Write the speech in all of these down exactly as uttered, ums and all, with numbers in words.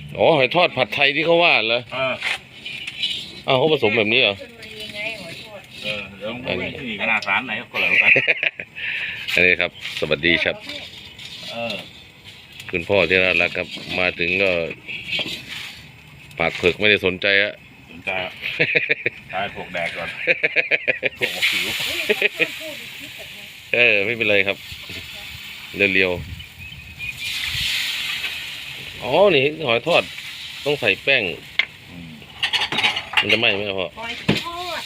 อ๋อหอยทอดผัดไทยที่เขาว่าเหรอเอออ้าวเขาผสมแบบนี้เหรอเออเดี๋ยวไปที่ขนาดสารไหนก็แล้วกันอันนี้ครับ สวัสดีครับเออคุณพ่อที่น่ารักครับมาถึงก็ปากเผือกไม่ได้สนใจอะสนใจอ่ะตายพวกแดกก่อนพวกหมกผิวเออไม่เป็นไรครับเรียวๆอ๋อนี่หอยทอดต้องใส่แป้งอืมมันจะไหม้ไหมพ่อหอยทอด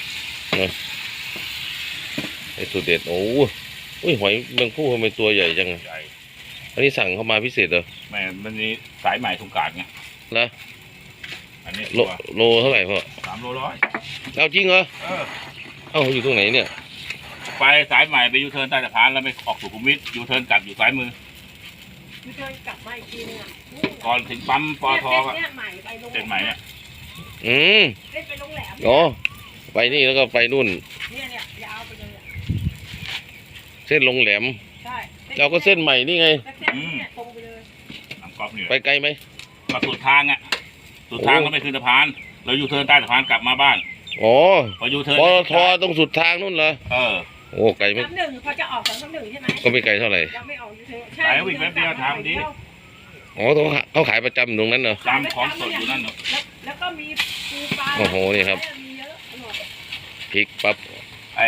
ไอ้สูตรเด็ดโอ้อุ้ยหอยแมงผู้ทำไมตัวใหญ่จังอะใหญ่อันนี้สั่งเข้ามาพิเศษเหรอแม่มันนี้สายใหม่ทุกกาดไงนะอันนี้โลโลเท่าไหร่พ่อสามโลร้อยเอาจริงเหรอเออเอ้าอยู่ตรงไหนเนี่ยไปสายใหม่ไปยูเทิร์นใต้สะพานแล้วไปออกสุขุมวิทยูเทิร์นกลับอยู่ซ้ายมือคือเดินกลับมาอีกทีนึงอ่ะก่อนถึงปั๊มปอทก็เนี่ยใหม่ไปโรงเส้นใหม่เนี่ยอืมเล่นไปโรงแรมอ๋อไปนี่แล้วก็ไปนู่นเนี่ยเนี่ยยาวไปเลยอะเส้นลงแหลมใช่เราก็เส้นใหม่นี่ไงเส้นเนี่ยตรงไปเลยน้ำก๊อกนี่แหไปละไกลไหมก็สุดทางอ่ะสุดทางก็ไปขึ้นสะพานแล้วยูเทิร์นใต้สะพานกลับมาบ้านอ๋อพอยูเทิร์นปตทตรงสุดทางนู่นเหรอเออโอ้ไกลไหมสามหนึ่งพอจะออกสามสามหนึ่งใช่ไหมก็ไม่ไกลเท่าไหร่ยังไม่ออกอยู่เธอสายวิ่งแป๊บเดียวทางดีอ๋อเขาเขาขายประจำตรงนั้นเหรอจำของสดอยู่นั่นเนอะแล้วแล้วก็มีปูปลาโอ้โหนี่ครับมีเยอะอร่อยพริกปั๊บไอ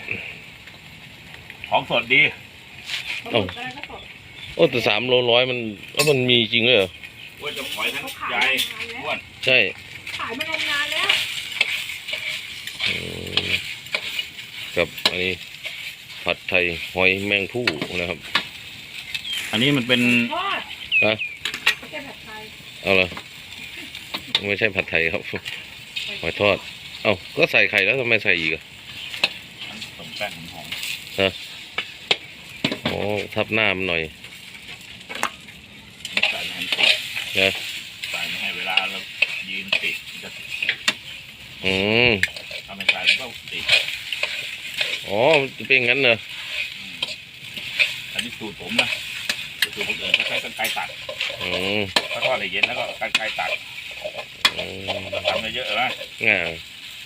ของสดดีปลาหมึกอะไรก็สดโอ้แต่สามโลร้อยมันแล้วมันมีจริงเลยเหรอว่าจะปล่อยทั้งเขาขายใหญ่มานานอ้แล้ววนใช่ขายมานานแล้วอืมกับอันนี้ผัดไทยหอยแมงผู้นะครับอันนี้มันเป็นทอดฮะไม่ใช่ผัดไทยเอาละไม่ใช่ผัดไทยครับหอยทอด เอ้าก็ใส่ไข่แล้วทำไมใส่อีกอะสมแป้งหอมอ๋อทับหน้ามันหน่อยใส่ให้มันสดนะใส่ไม่ให้เวลาเรายืนติดมันจะอืมทำให้ใส่มันก็ติดอ๋อมันจะเป็นงั้นเหรออันนี้สูตรผมนะสูตรคนอื่นเขาใช้กรรไกรตัดอืมเขาทอดให้เย็นแล้วก็กรรไกรตัดอืมทำเยอะๆนะง่าย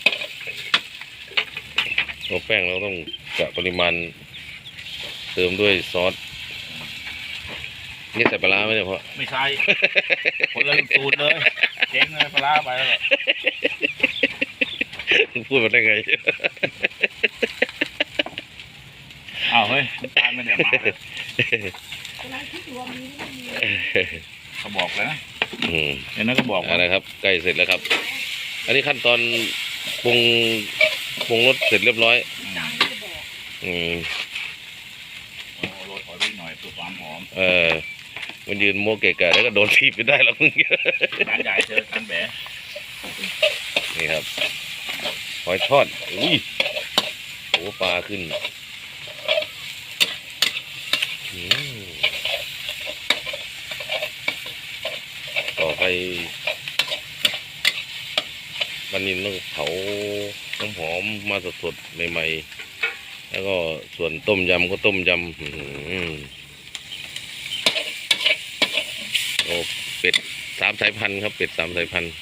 ตัวแป้งเราต้องกะปริมาณเติมด้วยซอสนี่ใส่ปลาร้าไหมเนี่ยพ่อไม่ใช่คนละสูตรเลยเจ๊งเลยปลาร้าไปแล้วพูดมาได้ไงอ้าวเฮ้ยน้ำตาลมันเนี่ยมาเลยกำลังคิดอยู่ว่ามีไม่มีเขาบอกเลยนะอืมเดี๋ยวนั้นก็บอกเอะว่าไรครับใกล้เสร็จแล้วครับ อันนี้ขั้นตอนปรุงปรุงรสเสร็จเรียบร้อยจางไม่ได้บอกอืมโอ้โรยถอยไปหน่อยเพื่อความหอมเออมันยืนโมเกะกะแล้วก็โดนทีบไปได้แล้วมึงร้านใหญ่เจอกันแบะนี่ครับหอยทอดอุ้ยโอ้ปลาขึ้นอืมต่อไปวันนี้ต้องเผาน้ำหอมมาสดๆใหม่ๆแล้วก็ส่วนต้มยำก็ต้มยำอื้อหือโอ้เป็ดสามสายพันธุ์ครับเป็ดสามสายพันธุ์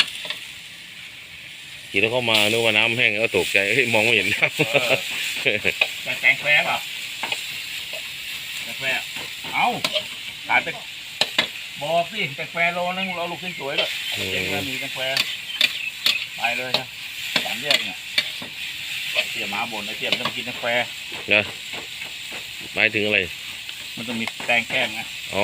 ขี่แล้วเข้ามานึกว่าน้ำแห้งแล้วตกใจเฮ้ยมองไม่เห็นน้ำแต่แกงแฟร์เปล่าแกงแฟร์เอ้าขายไปบอกสิแกงแฟร์โลนึงเราลูกสวยๆด้วยเจ๊งแล้วมีแกงแฟร์ไปเลยนะสามแยกเนี่ยเสียหมาบนไอ้เสียมันต้องกินแกงแฟร์นะหมายถึงอะไรมันต้องมีแตงแก้มไงอ๋อ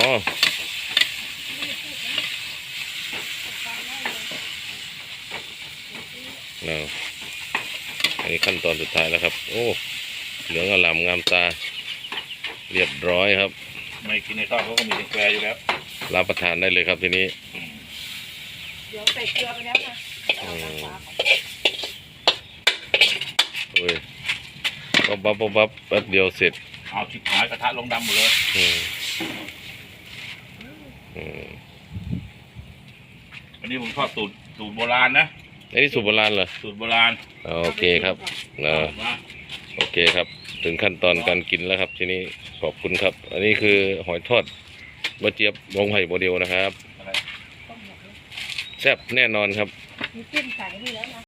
นะอันนี้ขั้นตอนสุดท้ายแล้วครับ โอ้ เหลืองอลามงามตา เรียบร้อยครับไม่กินในทอดเขาก็มีแกงแฟร์อยู่แล้วรับประทานได้เลยครับทีนี้เดี๋ยวใส่เกลือไปแล้วนะเอาน้ำปลาก่อนโอ้ยปั๊บปั๊บปั๊บปั๊บแป๊บเดียวเสร็จเอาชิบหายกระทะลงดำหมดเลยอืมอืมวันนี้ผมชอบสูตรสูตรโบราณนะอันนี้สูตรโบราณเหรอสูตรโบราณโอเคครับนะมาโอเคครับ ถึงขั้นตอนการกินแล้วครับ ทีนี้ขอบคุณครับ อันนี้คือหอยทอดบะเจี๊ยบวงไผ่โมเดลนะครับอะไรต้มยแซ่บแน่นอนครับมีจิ้มใส่นี่แล้วนะ